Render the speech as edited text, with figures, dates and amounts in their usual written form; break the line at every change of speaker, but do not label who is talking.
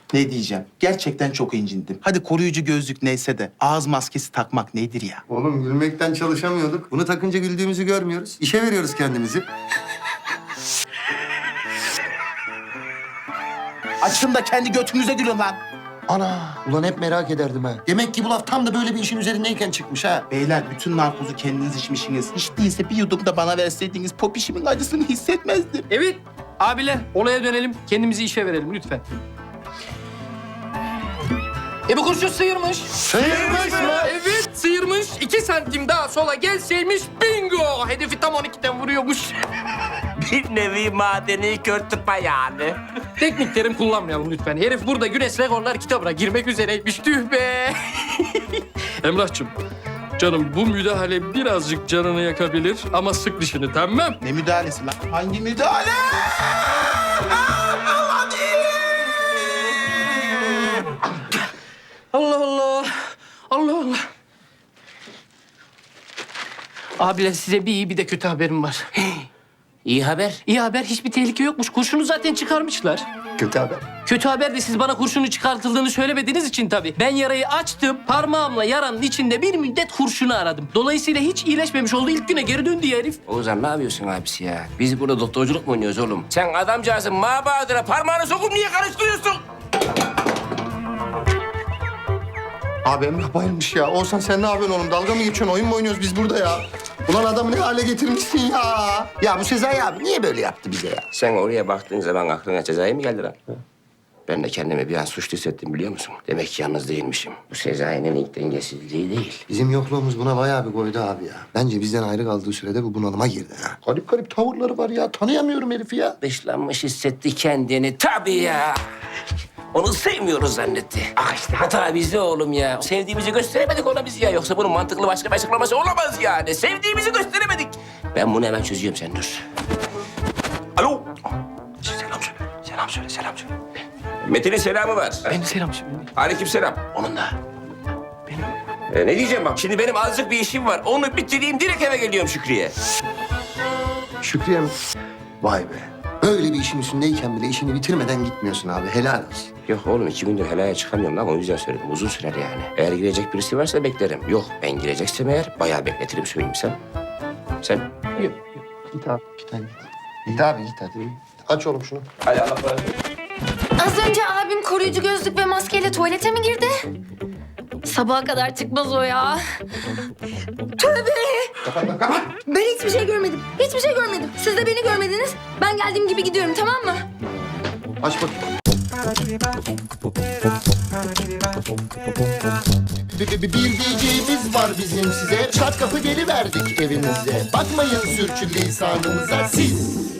Ne diyeceğim? Gerçekten çok incindim. Hadi koruyucu gözlük neyse de ağız maskesi takmak nedir ya?
Oğlum gülmekten çalışamıyorduk. Bunu takınca güldüğümüzü görmüyoruz. İşe veriyoruz kendimizi.
Açın da kendi götünüze gülün lan.
Ana! Ulan hep merak ederdim ha. Demek ki bu laf tam da böyle bir işin üzerindeyken çıkmış ha.
Beyler bütün narkozu kendiniz içmişsiniz. Hiç değilse bir yudum da bana verseydiniz popişimin acısını hissetmezdim.
Evet abiler olaya dönelim. Kendimizi işe verelim lütfen. Bu kurşun sıyırmış.
Sıyırmış mı?
Evet sıyırmış. 2 santim daha sola gelseymiş bingo. Hedefi tam 12'den vuruyormuş.
Bir nevi madeni kör tıpa yani.
Teknik terim kullanmayalım lütfen. Herif burada Güneş Rekorlar kitabına girmek üzereymiş. Tüh be. Emrah'cığım. Canım bu müdahale birazcık canını yakabilir ama sık dişini tamam.
Ne müdahalesi lan? Hangi müdahale?
Allah Allah. Allah Allah. Abiler size bir iyi bir de kötü haberim var.
İyi haber.
İyi haber hiçbir tehlike yokmuş. Kurşunu zaten çıkarmışlar.
Kötü haber.
Kötü haber de siz bana kurşunu çıkartıldığını söylemediğiniz için tabii. Ben yarayı açtım, parmağımla yaranın içinde bir müddet kurşunu aradım. Dolayısıyla hiç iyileşmemiş oldu. İlk güne geri döndü ya herif.
Oğuzhan ne yapıyorsun abisi ya? Biz burada doktorculuk mu oynuyoruz oğlum? Sen adamcağızın mabadına parmağını sokup niye karıştırıyorsun?
Abi Emrah bayılmış ya. Oğuzhan sen ne yapıyorsun oğlum? Dalga mı geçiyorsun? Oyun mu oynuyoruz biz burada ya? Ulan adamı ne hale getirmişsin ya? Ya bu Sezai abi niye böyle yaptı bize ya?
Sen oraya baktığın zaman aklına cezayı mı geldi lan? Ben de kendimi bir an suçlu hissettim biliyor musun? Demek ki yalnız değilmişim. Bu Sezai'nin ilk dengesizliği değil.
Bizim yokluğumuz buna bayağı bir koydu abi ya. Bence bizden ayrı kaldığı sürede bu bunalıma girdi ha. Garip garip tavırları var ya. Tanıyamıyorum herifi ya.
Dışlanmış hissetti kendini tabii ya. Onu sevmiyoruz zannetti. Ah işte hata bizde oğlum ya. Sevdiğimizi gösteremedik ona biz ya. Yoksa bunun mantıklı başka bir açıklaması olamaz yani. Sevdiğimizi gösteremedik. Ben bunu hemen çözüyorum sen dur. Alo. Selam söyle. Selam söyle, selam söyle. Metin'in selamı var.
Benim selam şimdi.
Aleykümselam. Onun da. Benim. Ne diyeceğim bak. Şimdi benim azıcık bir işim var. Onu bitireyim direkt eve geliyorum Şükrü'ye.
Şükriye mi? Vay be. Böyle bir işin üstündeyken bile işini bitirmeden gitmiyorsun abi. Helal olsun.
Yok oğlum 2 gündür helaya çıkamıyorum lan. O yüzden söyledim. Uzun sürer yani. Eğer girecek birisi varsa beklerim. Yok ben gireceksem eğer bayağı bekletirim söyleyeyim sen. Sen? Yok.
Git abi. Git hadi. Git abi git hadi. Aç oğlum şunu.
Hadi Allah razı olsun.
Az önce abim koruyucu gözlük ve maskeyle tuvalete mi girdi? Sabaha kadar çıkmaz o ya. Tövbe!
Kapat.
Ben hiçbir şey görmedim. Hiçbir şey görmedim. Siz de beni görmediniz. Ben geldiğim gibi gidiyorum, tamam mı?
Aç bakayım. Bir diyeceğimiz var bizim size. Çat kapı geliverdik evinize. Bakmayın sürçülisanımıza siz.